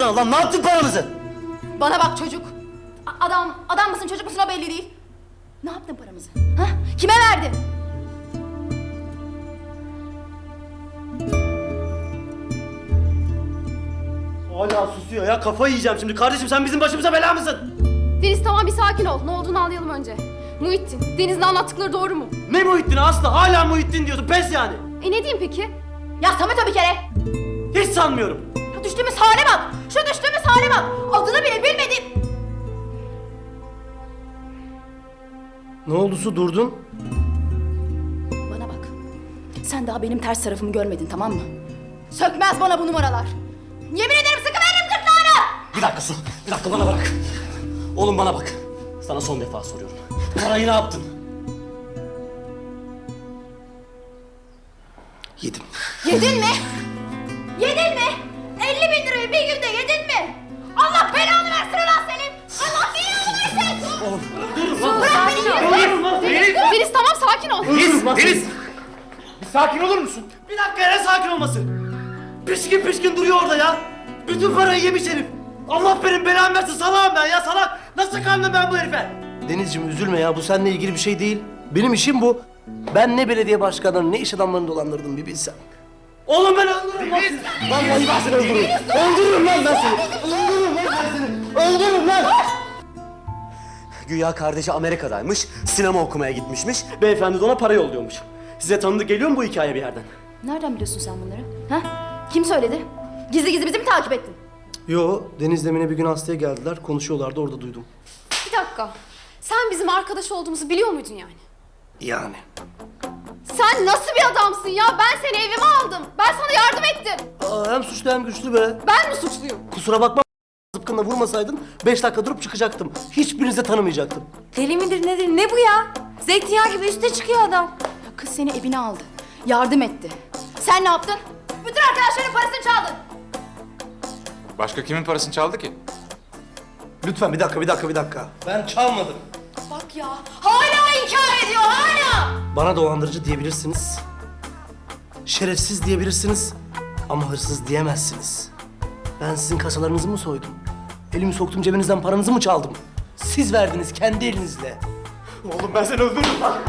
sana lan? Ne yaptın paramızı? Bana bak çocuk. Adam mısın çocuk musun o belli değil. Ne yaptın paramızı? Ha? Kime verdin? Hala susuyor ya. Kafayı yiyeceğim şimdi. Kardeşim sen bizim başımıza bela mısın? Deniz tamam bir sakin ol. Ne olduğunu anlayalım önce. Muhittin, Deniz'in anlattıkları doğru mu? Ne Muhittin Aslı? Hala Muhittin diyorsun. Pes yani. Ne diyeyim peki? Ya Samet o bir kere. Hiç sanmıyorum. Ya düştüğümüz hale bak. Şu düştüğümüz hale bak. Adını bile bilmedim. Ne oldu Su, durdun? Bana bak. Sen daha benim ters tarafımı görmedin tamam mı? Sökmez bana bu numaralar. Yemin ederim sıkıveririm gırtlağını. Bir dakika Su. Bir dakika bana bak. Oğlum bana bak. Sana son defa soruyorum. Parayı ne yaptın? Yedim. Yedin mi? Yedin mi? 50.000 lirayı bir günde yedin mi? Allah belanı versin ulan senin. Allah belanı versin. Oğlum dur lan. Bırak beni. Deniz tamam sakin ol. Deniz! Bir sakin olur musun? Bir dakika ya, ne sakin olması? Pişkin pişkin duruyor orada ya. Bütün parayı yemiş herif. Allah benim belamı versin, salağım ben ya, salak. Nasıl kandım ben bu herife? Denizciğim üzülme ya, bu seninle ilgili bir şey değil. Benim işim bu. Ben ne belediye başkanlarını ne iş adamlarını dolandırdım bir bilsen. Oğlum ben öldürürüm lan seni. Vallahi ben seni öldürürüm. Öldürürüm lan ben seni. Öldürürüm lan ben seni. Öldürürüm lan. Güya kardeşi Amerika'daymış, sinema okumaya gitmişmiş. Beyefendi de ona para yolluyormuş. Size tanıdık geliyor mu bu hikaye bir yerden? Nereden biliyorsun sen bunları? Ha? Kim söyledi? Gizli gizli bizi mi takip ettin? Yo, Deniz'le Mine bir gün hastaya geldiler, konuşuyorlardı, orada duydum. Bir dakika. Sen bizim arkadaş olduğumuzu biliyor muydun yani? Yani. Sen nasıl bir adamsın ya? Ben seni evime aldım. Ben sana yardım ettim. Aa, hem suçlu hem güçlü be. Ben mi suçluyum? Kusura bakma, zıpkınla vurmasaydın 5 dakika durup çıkacaktım. Hiçbirinizi de tanımayacaktım. Deli midir nedir ne bu ya? Zeytinyağı gibi üste çıkıyor adam. Ya kız seni evine aldı. Yardım etti. Sen ne yaptın? Bütün arkadaşların parasını çaldın. Başka kimin parasını çaldı ki? Lütfen bir dakika. Ben çalmadım. Bak ya. Hala inkar ediyor hala. Bana dolandırıcı diyebilirsiniz. Şerefsiz diyebilirsiniz. Ama hırsız diyemezsiniz. Ben sizin kasalarınızı mı soydum? Elimi soktum cebinizden paranızı mı çaldım? Siz verdiniz kendi elinizle. Oğlum ben seni öldürürüm lan.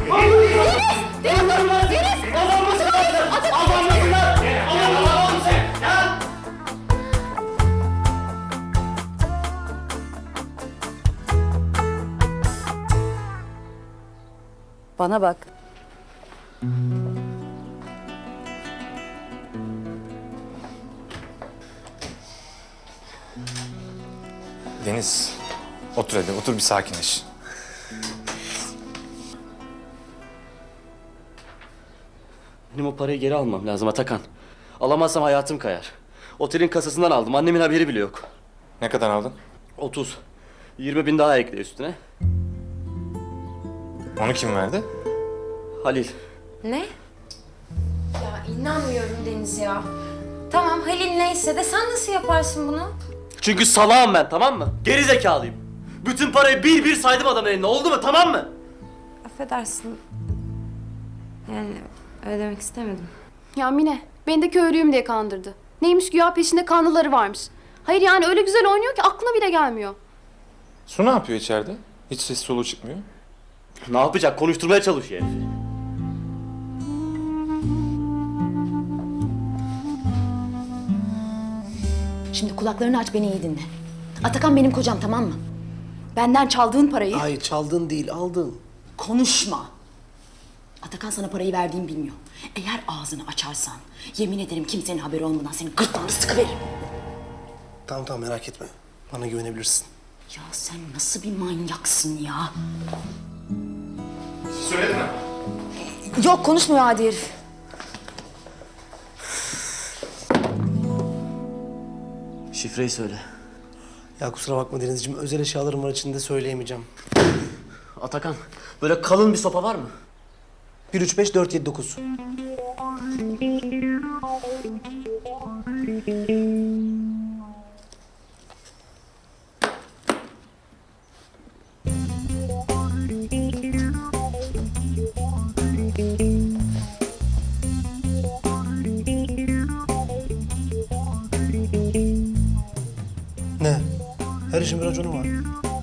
Bana bak. Deniz, otur hadi, otur bir sakinleş. Benim o parayı geri almam lazım Atakan. Alamazsam hayatım kayar. Otelin kasasından aldım. Annemin haberi bile yok. Ne kadar aldın? 30. 20.000 daha ekle üstüne. Onu kim verdi? Halil. Ne? Ya inanmıyorum Deniz ya. Tamam Halil neyse de sen nasıl yaparsın bunu? Çünkü salağım ben, tamam mı? Geri zekalıyım. Bütün parayı bir bir saydım adamın eline. Oldu mu, tamam mı? Affedersin. Yani öyle demek istemedim. Ya Mine, beni de köylüyüm diye kandırdı. Neymiş güya peşinde kanlıları varmış. Hayır yani öyle güzel oynuyor ki aklına bile gelmiyor. Su ne yapıyor içeride? Hiç ses soluğu çıkmıyor. Ne yapacak? Konuşturmaya çalışıyor herifi. Şimdi kulaklarını aç beni iyi dinle. Atakan benim kocam tamam mı? Benden çaldığın parayı... Hayır çaldın değil, aldın. Konuşma. Atakan sana parayı verdiğimi bilmiyor. Eğer ağzını açarsan yemin ederim kimsenin haberi olmadan senin gırtlağını sıkıveririm. Tamam merak etme. Bana güvenebilirsin. Ya sen nasıl bir manyaksın ya? Söyledin mi? Yok konuşmuyor adi herif. Şifreyi söyle. Ya kusura bakma Denizciğim, özel eşyalarım var içinde, söyleyemeyeceğim. Atakan, böyle kalın bir sopa var mı? 1, 3, 5, 4, 7, 9. Ne? Her işin bir raconu var.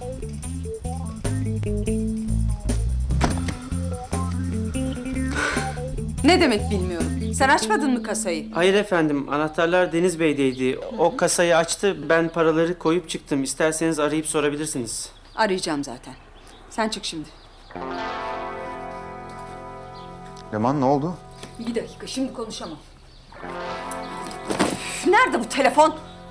Ne demek bilmiyorum. Sen açmadın mı kasayı? Hayır efendim, anahtarlar Deniz Bey'deydi. O kasayı açtı, ben paraları koyup çıktım. İsterseniz arayıp sorabilirsiniz. Arayacağım zaten. Sen çık şimdi. Leman ne oldu? Bir dakika, şimdi konuşamam. Üf, nerede bu telefon?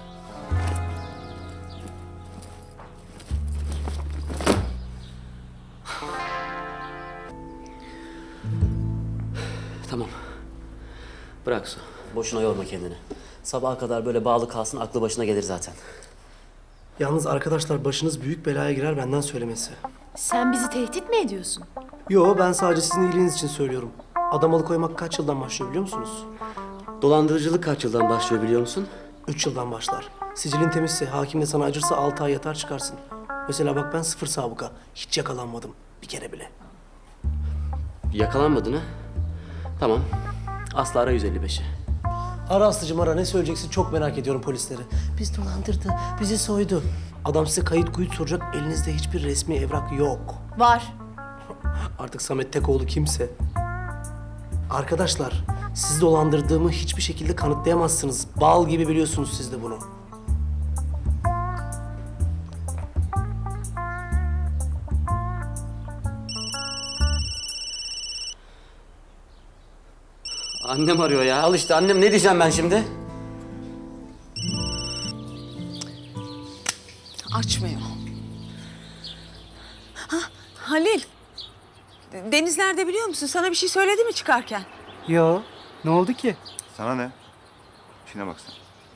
Tamam. Bırak Su. Boşuna yorma kendini. Sabaha kadar böyle bağlı kalsın, aklı başına gelir zaten. Yalnız arkadaşlar başınız büyük belaya girer benden söylemesi. Sen bizi tehdit mi ediyorsun? Yo, ben sadece sizin iyiliğiniz için söylüyorum. Adam alıkoymak kaç yıldan başlıyor biliyor musunuz? Dolandırıcılık kaç yıldan başlıyor biliyor musun? 3 yıldan başlar. Sicilin temizse, hakim de sana acırsa 6 ay yatar çıkarsın. Mesela bak ben 0 sabıka. Hiç yakalanmadım. Bir kere bile. Yakalanmadın ha? Tamam. Aslı ara 155'i. Ara Aslı'cım ara, ne söyleyeceksin çok merak ediyorum polisleri. Biz dolandırdı, bizi soydu. Adam size kayıt kuyut soracak, elinizde hiçbir resmi evrak yok. Var. Artık Samet Tekoğlu kimse. Arkadaşlar, sizi dolandırdığımı hiçbir şekilde kanıtlayamazsınız. Bal gibi biliyorsunuz siz de bunu. Annem arıyor ya. Al işte annem, ne diyeceğim ben şimdi? Açmıyor. Ha, Halil. Deniz nerede biliyor musun? Sana bir şey söyledi mi çıkarken? Yo, ne oldu ki? Sana ne? İşine bak sen.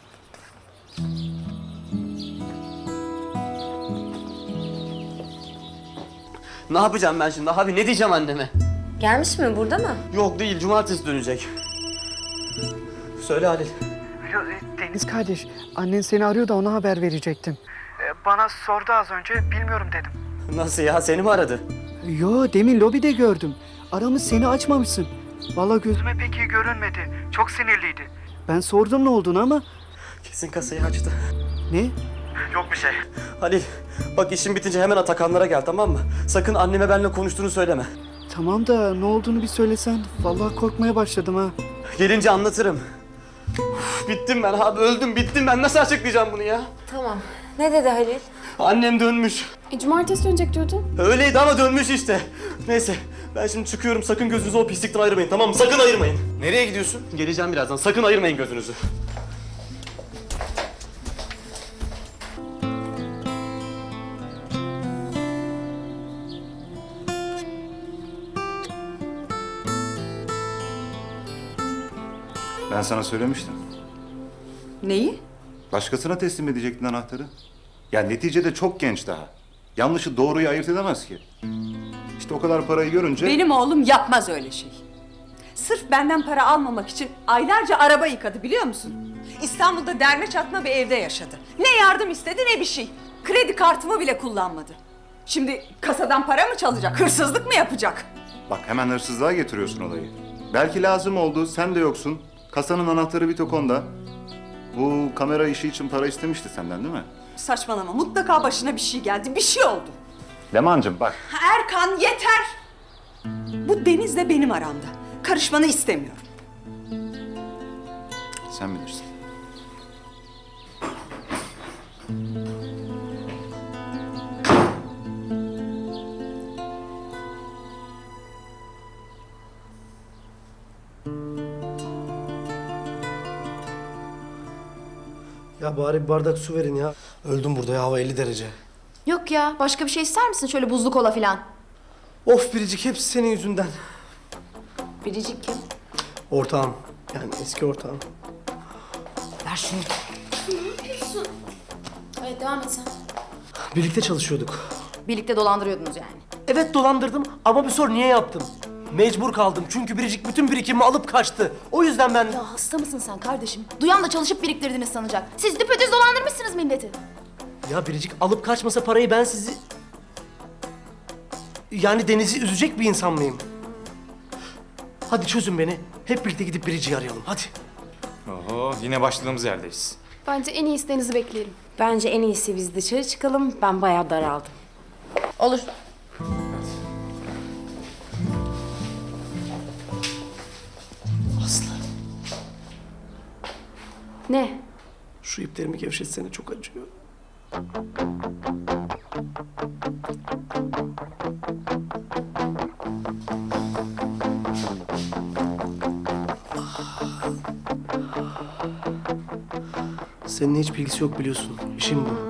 Ne yapacağım ben şimdi abi? Ne diyeceğim anneme? Gelmiş mi, burada mı? Yok değil, cumartesi dönecek. Söyle Halil. Deniz kardeş, annen seni arıyor da ona haber verecektim. Bana sordu az önce, bilmiyorum dedim. Nasıl ya? Seni mi aradı? Yo, demin lobide gördüm. Aramış, seni açmamışsın. Vallahi gözüme pek iyi görünmedi. Çok sinirliydi. Ben sordum ne olduğunu ama... Kesin kasayı açtı. Ne? Yok bir şey. Halil, bak işin bitince hemen Atakanlara gel, tamam mı? Sakın anneme benimle konuştuğunu söyleme. Tamam da ne olduğunu bir söylesen. Vallahi korkmaya başladım ha. Gelince anlatırım. Uf, bittim ben abi, öldüm, bittim ben. Nasıl açıklayacağım bunu ya? Tamam. Ne dedi Halil? Annem dönmüş. Cumartesi dönecek diyordun. Öyleydi ama dönmüş işte. Neyse, ben şimdi çıkıyorum. Sakın gözünüzü o pislikten ayırmayın, tamam mı? Sakın ayırmayın. Nereye gidiyorsun? Geleceğim birazdan. Sakın ayırmayın gözünüzü. Ben sana söylemiştim. Neyi? Başkasına teslim edecektin anahtarı. Ya neticede çok genç daha. Yanlışı doğruyu ayırt edemez ki. İşte o kadar parayı görünce... Benim oğlum yapmaz öyle şey. Sırf benden para almamak için aylarca araba yıkadı biliyor musun? İstanbul'da derme çatma bir evde yaşadı. Ne yardım istedi ne bir şey. Kredi kartımı bile kullanmadı. Şimdi kasadan para mı çalacak, hırsızlık mı yapacak? Bak hemen hırsızlığa getiriyorsun olayı. Belki lazım oldu, sen de yoksun. Kasanın anahtarı bir tok onda. Bu kamera işi için para istemişti senden değil mi? Saçmalama, mutlaka başına bir şey geldi, bir şey oldu. Leman'cığım bak. Erkan yeter! Bu Deniz'le benim aramda. Karışmanı istemiyorum. Sen bilirsin. Ya bari bir bardak su verin ya. Öldüm burada ya, hava 50 derece. Yok ya, başka bir şey ister misin? Şöyle buzlu kola falan. Of Biricik, hepsi senin yüzünden. Biricik kim? Ortağım. Yani eski ortağım. Ver şunu. Evet, devam et sen. Birlikte çalışıyorduk. Birlikte dolandırıyordunuz yani. Evet dolandırdım ama bir sor niye yaptım? Mecbur kaldım çünkü Biricik bütün birikimimi alıp kaçtı. O yüzden ben... Ya hasta mısın sen kardeşim? Duyan da çalışıp biriktirdiniz sanacak. Siz düpedüz dolandırmışsınız milleti. Ya Biricik alıp kaçmasa parayı ben sizi... Yani Deniz'i üzecek bir insan mıyım? Hadi çözün beni. Hep birlikte gidip Biricik'i arayalım hadi. Oho, yine başladığımız yerdeyiz. Bence en iyisi Deniz'i bekleyelim. Bence en iyisi biz dışarı çıkalım. Ben bayağı daraldım. Olur. Aslı, Ne? şu iplerimi gevşetsene, çok acıyor. Seninle hiç bilgisi yok biliyorsun. İşim bu.